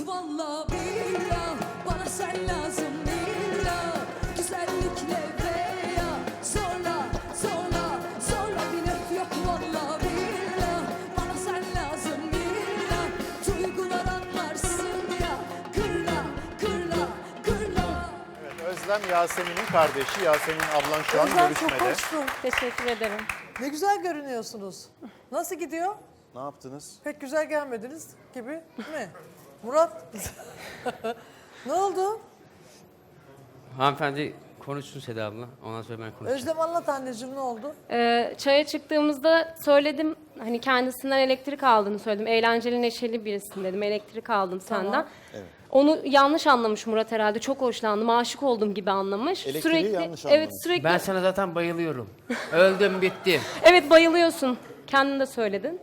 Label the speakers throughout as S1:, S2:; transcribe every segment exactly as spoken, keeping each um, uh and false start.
S1: Vallahi billah bana sen lazım billah. Güzellikle veya zorla zorla zorla bir öf yok vallahi billah. Bana sen lazım billah. Duygular anlarsın ya. Kırla kırla kırla.
S2: Evet, Özlem Yasemin'in kardeşi. Yasemin ablan şu an
S3: Özlem çok
S2: görüşmede.
S3: hoşsun.
S4: Teşekkür ederim.
S3: Ne güzel görünüyorsunuz. Nasıl gidiyor?
S2: Ne yaptınız?
S3: Pek güzel gelmediniz gibi mi? Murat? Ne oldu?
S5: Hanımefendi konuşsun Seda abla. Ondan sonra ben konuşacağım.
S3: Özlem anlat anneciğim ne oldu?
S4: Ee, çaya çıktığımızda söyledim, hani kendisinden elektrik aldığını söyledim. Eğlenceli, neşeli birisin dedim. Elektrik aldım senden.
S2: Evet.
S4: Onu yanlış anlamış Murat herhalde. Çok hoşlandım, aşık oldum gibi anlamış.
S2: Elektriği yanlış
S4: Evet,
S2: anlamış.
S4: sürekli.
S5: Ben sana zaten bayılıyorum. Öldüm bittim.
S4: Evet, bayılıyorsun. Kendin de söyledin.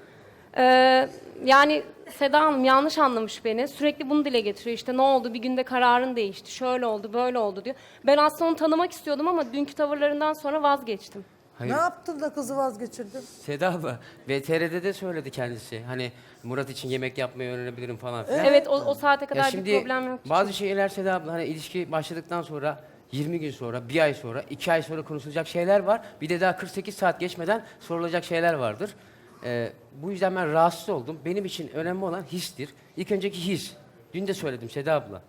S4: Ee, yani Seda Hanım yanlış anlamış beni. Sürekli bunu dile getiriyor. İşte ne oldu? Bir günde kararın değişti. Şöyle oldu, böyle oldu diyor. Ben aslında onu tanımak istiyordum ama dünkü tavırlarından sonra vazgeçtim.
S5: Hayır.
S3: Ne yaptın da kızı vazgeçirdin?
S5: Seda abla V T R'de de söyledi kendisi. Hani Murat için yemek yapmayı öğrenebilirim falan filan.
S4: Evet, o, o saate kadar
S5: Ya
S4: bir
S5: şimdi
S4: problem yok.
S5: bazı şeyler Seda abla hani ilişki başladıktan sonra yirmi gün sonra, bir ay sonra, iki ay sonra konuşulacak şeyler var. Bir de daha kırk sekiz saat geçmeden sorulacak şeyler vardır. Ee, bu yüzden ben rahatsız oldum. Benim için önemli olan histir. İlk önceki his. Dün de söyledim Seda abla.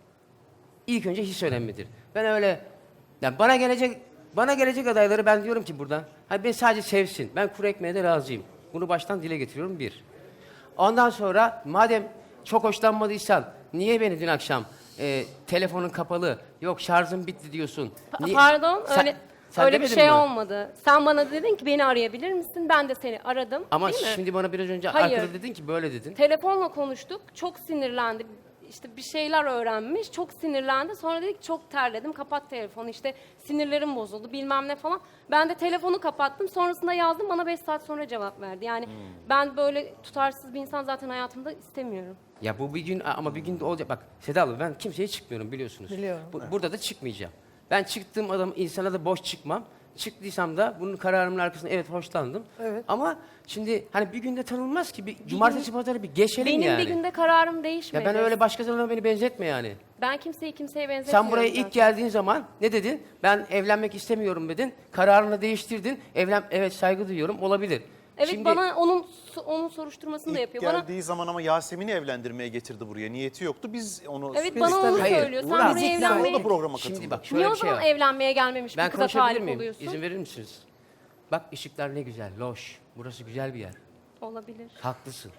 S5: İlk önce his önemlidir. Ben öyle, yani bana gelecek bana gelecek adayları ben diyorum ki buradan, hani beni sadece sevsin. Ben kuru ekmeğe de razıyım. Bunu baştan dile getiriyorum bir. Ondan sonra madem çok hoşlanmadıysan niye beni dün akşam e, telefonun kapalı, yok şarjım bitti diyorsun.
S4: Pa-
S5: Niye-
S4: Pardon,
S5: Sen-
S4: öyle
S5: sen
S4: öyle bir
S5: demedin
S4: şey
S5: mi?
S4: olmadı. Sen bana dedin ki beni arayabilir misin? Ben de seni aradım.
S5: Ama
S4: değil mi?
S5: şimdi bana biraz önce
S4: Hayır.
S5: arkada dedin ki böyle dedin.
S4: Telefonla konuştuk. Çok sinirlendi. İşte bir şeyler öğrenmiş. Çok sinirlendi. Sonra dedik çok terledim. Kapat telefonu. İşte sinirlerim bozuldu. Bilmem ne falan. Ben de telefonu kapattım. Sonrasında yazdım. Bana beş saat sonra cevap verdi. Yani
S5: Hmm.
S4: ben böyle tutarsız bir insan zaten hayatımda istemiyorum.
S5: Ya bu bir gün ama bir gün de olacak. Bak Seda abla ben kimseye çıkmıyorum biliyorsunuz.
S3: Biliyorum.
S5: Bu- burada da çıkmayacağım. Ben çıktığım adam insana da boş çıkmam. Çıktıysam da bunun kararımın arkasında evet hoşlandım.
S3: Evet.
S5: Ama şimdi hani bir günde tanınmaz ki. Bir cumartesi pazarı bir geçelim
S4: Benim
S5: yani.
S4: bir günde kararım değişmedi.
S5: Ya ben öyle başkasına beni benzetme yani.
S4: Ben kimseyi kimseye benzetmiyorum.
S5: Sen buraya
S4: zaten.
S5: ilk geldiğin zaman ne dedin? Ben evlenmek istemiyorum dedin. Kararını değiştirdin. Evlen evet saygı duyuyorum olabilir.
S4: Evet,
S5: Şimdi
S4: bana onun onun soruşturmasını da
S2: İlk
S4: yapıyor. Bana
S2: geldiği zaman ama Yasemin'i evlendirmeye getirdi buraya. Niyeti yoktu. Biz onu...
S4: evet
S3: Biz
S4: bana onu
S3: tabii-
S5: Hayır,
S4: söylüyor. Sen
S5: Murat,
S4: buraya
S2: Biz yani o
S4: evlenmeye...
S2: da programa katıldı.
S5: şimdi bak şöyle
S4: Niye o
S5: bir şey
S4: zaman
S5: var.
S4: evlenmeye gelmemiş
S5: Ben
S4: bir kıza
S5: konuşabilir
S4: talip
S5: miyim?
S4: oluyorsun?
S5: İzin verir misiniz? Bak ışıklar ne güzel, loş. Burası güzel bir yer.
S4: Olabilir.
S5: Haklısın.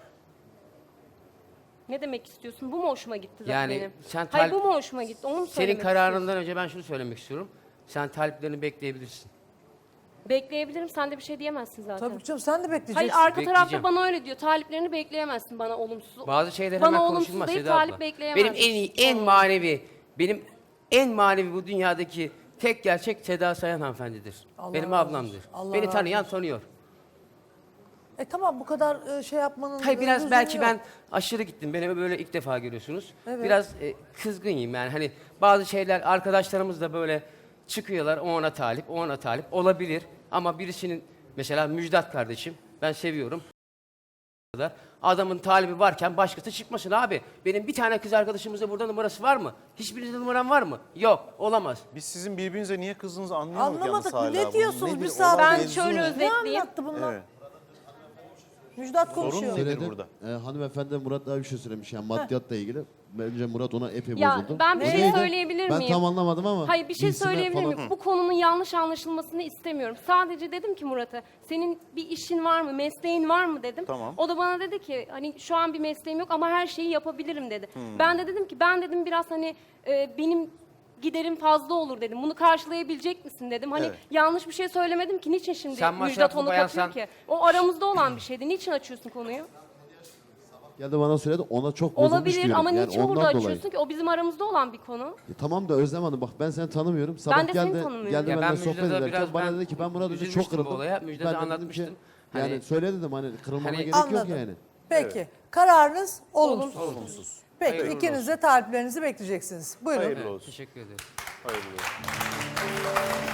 S4: Ne demek istiyorsun? Bu mu hoşuma gitti zaten
S5: Yani
S4: benim?
S5: sen
S4: Hayır,
S5: talip-
S4: bu mu hoşuma gitti? Onu mu
S5: Senin
S4: söylemek
S5: kararından önce ben şunu söylemek istiyorum. Sen taliplerini bekleyebilirsin.
S4: istiyorsun? Bekleyebilirim. Sen de bir şey diyemezsin zaten.
S3: Tabii canım sen de
S4: Hayır,
S3: bekleyeceksin.
S4: arka tarafta
S5: Bekleyeceğim.
S4: bana öyle diyor. Taliplerini bekleyemezsin bana olumsuz.
S5: Bazı şeyler
S4: Bana
S5: hemen
S4: olumsuz
S5: konuşulmaz
S4: değil,
S5: Seda
S4: talip
S5: abla.
S4: bekleyemezsin.
S5: Benim en iyi, en manevi, benim en manevi bu dünyadaki tek gerçek Seda Sayan hanımefendidir.
S3: Allah
S5: Benim
S3: razı
S5: ablamdır.
S3: olsun. Allah
S5: Beni
S3: razı
S5: tanıyan tanıyor.
S3: E tamam bu kadar e, şey yapmanın
S5: Hayır
S3: e,
S5: biraz
S3: lüzumu
S5: belki
S3: yok.
S5: ben aşırı gittim. Beni böyle ilk defa görüyorsunuz.
S3: Evet.
S5: Biraz e, kızgınım yani. Hani bazı şeyler arkadaşlarımız da böyle çıkıyorlar. O ona talip, o ona talip olabilir. Ama birisinin mesela Müjdat kardeşim ben seviyorum. Adamın talibi varken başkası çıkmasın abi. Benim bir tane kız arkadaşımızda burada numarası var mı? Hiçbirinizde numaram var mı? Yok, olamaz.
S2: Biz sizin birbirinize niye kızdığınızı anlayamadık
S3: Anlamadık.
S2: yalnız hala.
S3: Ne
S2: Bu
S3: diyorsunuz?
S2: nedir?
S3: Bir saat-
S2: Olay
S4: Ben
S2: mevzu
S4: şöyle
S2: ne?
S4: öz-
S3: Ne
S4: Özetleyeyim.
S3: anlattı bunlar?
S2: Evet.
S3: Müjdat
S2: Sorun
S3: konuşuyor.
S2: nedir
S6: Söyledi.
S2: burada?
S6: Ee, hanımefendi Murat daha bir şey söylemiş yani maddiyatla ilgili. Bence Murat ona epey
S4: Ya,
S6: bozuldu.
S4: ben bir
S6: O
S4: şey
S6: neydi?
S4: söyleyebilir
S6: Ben
S4: miyim?
S6: tam anlamadım ama.
S4: Hayır, bir şey
S6: bilsime
S4: söyleyebilir
S6: falan-
S4: miyim? Bu konunun yanlış anlaşılmasını istemiyorum. Sadece dedim ki Murat'a, senin bir işin var mı, mesleğin var mı dedim.
S2: Tamam.
S4: O da bana dedi ki hani şu an bir mesleğim yok ama her şeyi yapabilirim dedi.
S2: Hmm.
S4: Ben de dedim ki ben dedim biraz hani e, benim giderim fazla olur dedim. Bunu karşılayabilecek misin dedim. Hani
S2: Evet.
S4: yanlış bir şey söylemedim ki niçin şimdi
S5: Sen
S4: Müjdat
S5: masraflı
S4: onu
S5: bayansan-
S4: katıyor ki? O aramızda olan bir şeydi. Niçin açıyorsun konuyu?
S6: Geldi bana söyledi ona çok bozulmuş
S4: Olabilir
S6: diyorum.
S4: ama
S6: yani
S4: niçin
S6: ondan
S4: burada
S6: dolayı.
S4: açıyorsun ki? O bizim aramızda olan bir konu.
S6: E, tamam da Özlem Hanım bak ben seni tanımıyorum. Sabah
S4: de seni
S6: geldi,
S4: tanımıyorum.
S6: geldi
S5: Ya ben
S6: benimle sohbet
S5: Müjdat'a
S6: ederken
S5: biraz
S6: bana
S5: ben
S6: dedi ki ben Murat dedi çok
S5: üzülmüştüm bu
S6: kırıldım.
S5: olaya. Müjdat'a
S6: Ben de dedim
S5: anlatmıştım.
S6: ki,
S5: Hani-
S6: yani söyle dedim hani kırılmama
S5: Hani-
S6: gerek yok
S3: Anladım.
S6: yani.
S3: Peki. Kararınız olumsuz.
S2: Olumsuz.
S3: Peki
S5: Hayırlı
S3: ikiniz de taliplerinizi bekleyeceksiniz. Buyurun.
S2: Hayırlı olsun.
S5: Teşekkür ederim.
S2: Hayırlı olsun.